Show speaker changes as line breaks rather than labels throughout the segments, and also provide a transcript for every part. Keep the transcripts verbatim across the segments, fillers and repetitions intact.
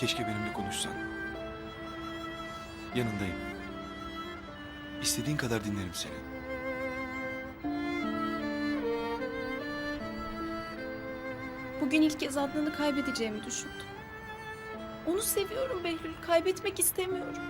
Keşke benimle konuşsan. Yanındayım. İstediğin kadar dinlerim seni.
Bugün ilk kez Adnan'ı kaybedeceğimi düşündüm. Onu seviyorum Behlül. Kaybetmek istemiyorum.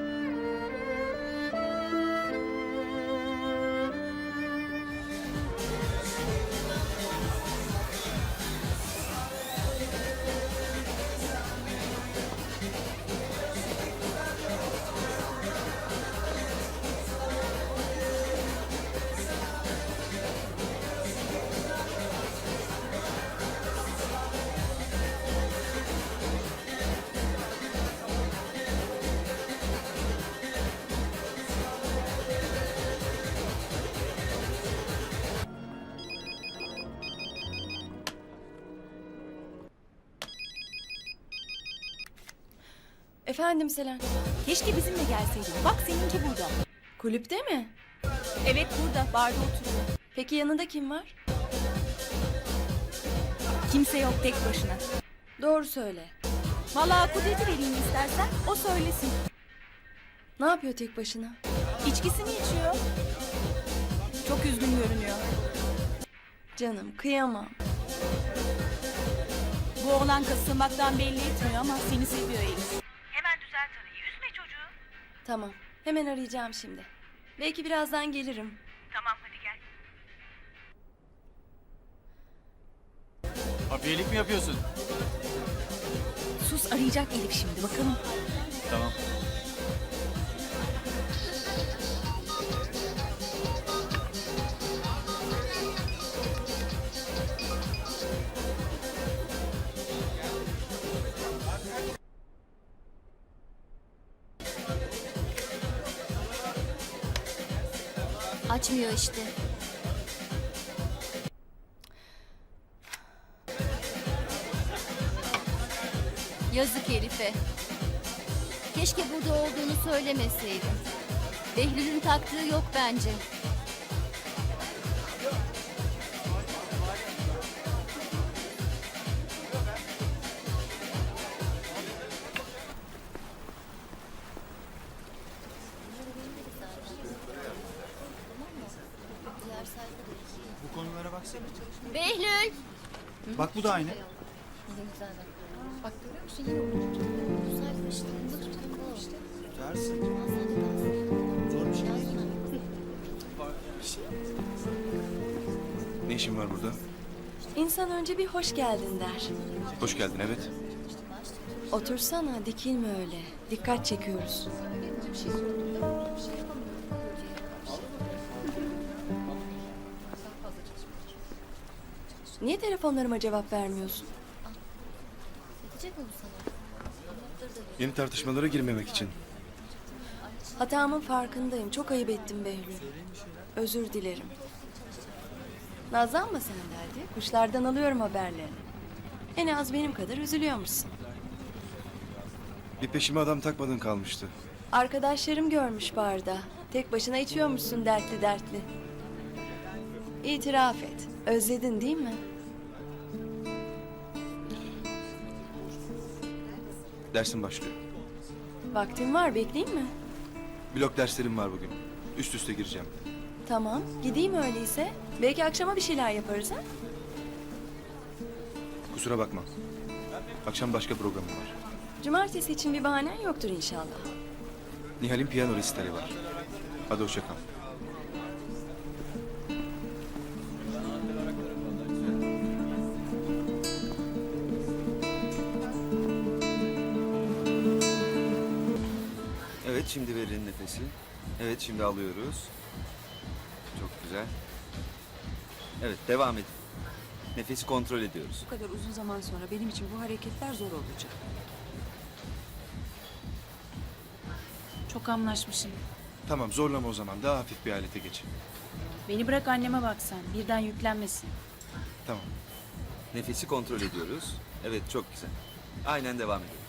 Efendim Selen.
Keşke bizimle gelseydin. Bak seninki burada.
Kulüpte mi?
Evet burada, barda oturuyor.
Peki yanında kim var?
Kimse yok, tek başına.
Doğru söyle.
Vallahi Kudret'i vereyim istersen, o söylesin.
Ne yapıyor tek başına?
İçkisini içiyor. Çok üzgün görünüyor.
Canım kıyamam.
Bu oğlan kasılmaktan belli etmiyor ama seni seviyor Elif.
Hemen düzelt arayı. Üzme çocuğu.
Tamam. Hemen arayacağım şimdi. Belki birazdan gelirim.
Tamam hadi gel.
Abiyelik mi yapıyorsun?
Sus, arayacak Elif şimdi, bakalım.
Tamam.
Açmıyor işte. Yazık Elif'e. Keşke burada olduğunu söylemeseydin. Behlül'ün taktığı yok bence.
Bu konulara baksana.
Behlül!
Bak bu da aynı.
Bak görüyor musun yine olur. Bu sayfa işte. Bunda tutan bu.
Tutarsın. Zor bir şey.
Ne işin var burada?
İnsan önce bir hoş geldin der.
Hoş geldin, evet.
Otursana, dikilme öyle. Dikkat çekiyoruz. Niye telefonlarıma cevap vermiyorsun?
Edecek mi bu sana?
Yeni tartışmalara girmemek için.
Hatamın farkındayım. Çok ayıp ettim Behlül. Özür dilerim. Nazlanma sen de hadi. Kuşlardan alıyorum haberlerini. En az benim kadar üzülüyormuşsun.
Bir peşime adam takmadın kalmıştı.
Arkadaşlarım görmüş barda. Tek başına içiyormuşsun dertli dertli. İtiraf et. Özledin değil mi?
Dersin başlıyor.
Vaktin var, bekleyeyim mi?
Blok derslerim var bugün. Üst üste gireceğim.
Tamam, gideyim öyleyse. Belki akşama bir şeyler yaparız ha?
Kusura bakma. Akşam başka programım var.
Cumartesi için bir bahanen yoktur inşallah.
Nihal'in piyano resitali var. Hadi hoşça kal.
Evet, şimdi verin nefesi. Evet, şimdi alıyoruz. Çok güzel. Evet, devam edin. Nefesi kontrol ediyoruz.
Bu kadar uzun zaman sonra benim için bu hareketler zor olacak.
Çok anlaşmışım.
Tamam, zorlama o zaman. Daha hafif bir alete geç.
Beni bırak anneme bak sen. Birden yüklenmesin.
Tamam.
Nefesi kontrol ediyoruz. Evet, çok güzel. Aynen devam edelim.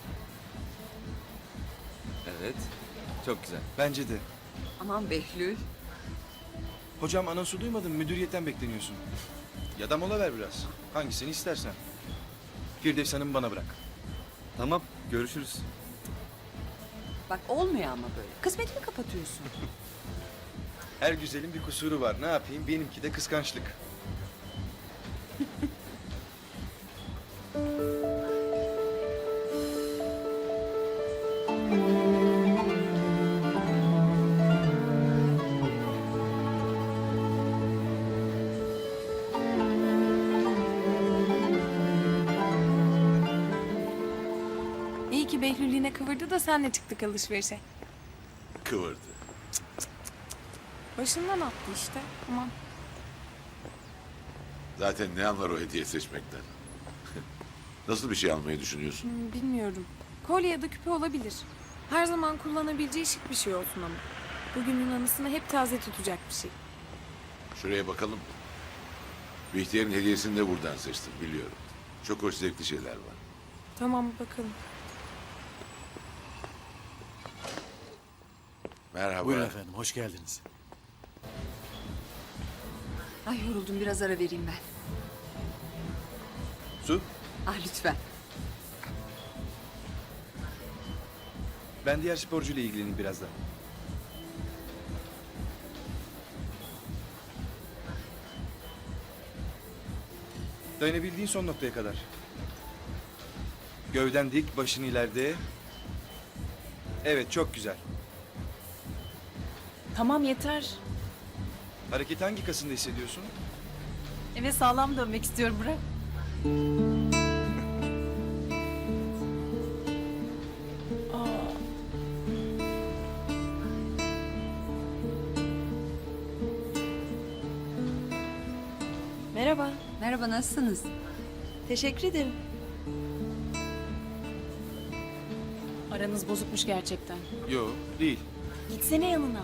Evet, çok güzel.
Bence de.
Aman Behlül.
Hocam anonsu duymadın mı? Müdüriyetten bekleniyorsun. Ya da mola ver biraz. Hangisini istersen. Firdevs Hanım bana bırak.
Tamam, görüşürüz.
Bak olmuyor ama böyle. Kısmetini kapatıyorsun.
Her güzelin bir kusuru var. Ne yapayım? Benimki de kıskançlık.
İyi ki Behlül yine kıvırdı da senle çıktık alışverişe.
Kıvırdı.
Başından attı işte. Aman.
Zaten ne anlar o hediye seçmekten? Nasıl bir şey almayı düşünüyorsun?
Hmm, bilmiyorum. Kolye ya da küpe olabilir. Her zaman kullanabileceği şık bir şey olsun ama. Bugünün anısını hep taze tutacak bir şey.
Şuraya bakalım. Bihter'in hediyesini de buradan seçtim biliyorum. Çok hoş zevkli şeyler var.
Tamam bakalım.
Merhaba.
Buyurun efendim, hoş geldiniz.
Ay yoruldum, biraz ara vereyim ben.
Su,
Ah lütfen.
ben diğer sporcuyla ilgileneyim birazdan. Dayanabildiğin son noktaya kadar. Gövden dik, başın ileride. Evet, çok güzel.
Tamam yeter.
Hareketi hangi kasında hissediyorsun?
Eve sağlam dönmek istiyorum bırak. Aa.
Merhaba.
Merhaba, nasılsınız?
Teşekkür ederim.
Aranız bozukmuş gerçekten.
Yo, değil.
Gitsene yanına.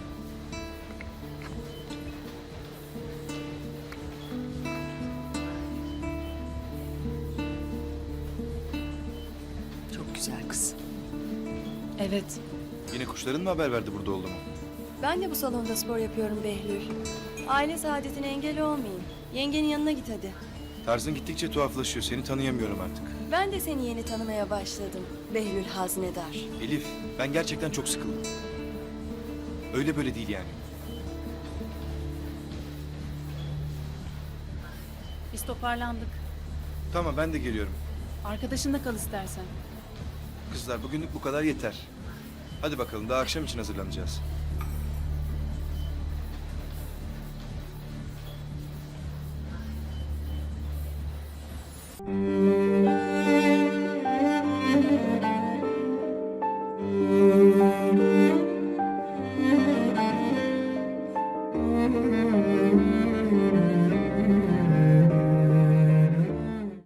Çok güzel kız.
Evet.
Yine kuşların mı haber verdi burada olduğumu?
Ben de bu salonda spor yapıyorum Behlül. Aile saadetine engel olmayayım. Yengenin yanına git hadi.
Tarzın gittikçe tuhaflaşıyor. Seni tanıyamıyorum artık.
Ben de seni yeni tanımaya başladım. Behlül Haznedar.
Elif, ben gerçekten çok sıkıldım. Öyle böyle değil yani.
Biz toparlandık.
Tamam, ben de geliyorum.
Arkadaşınla kal istersen.
Kızlar, bugünlük bu kadar yeter. Hadi bakalım, daha akşam için hazırlanacağız.
Behlül.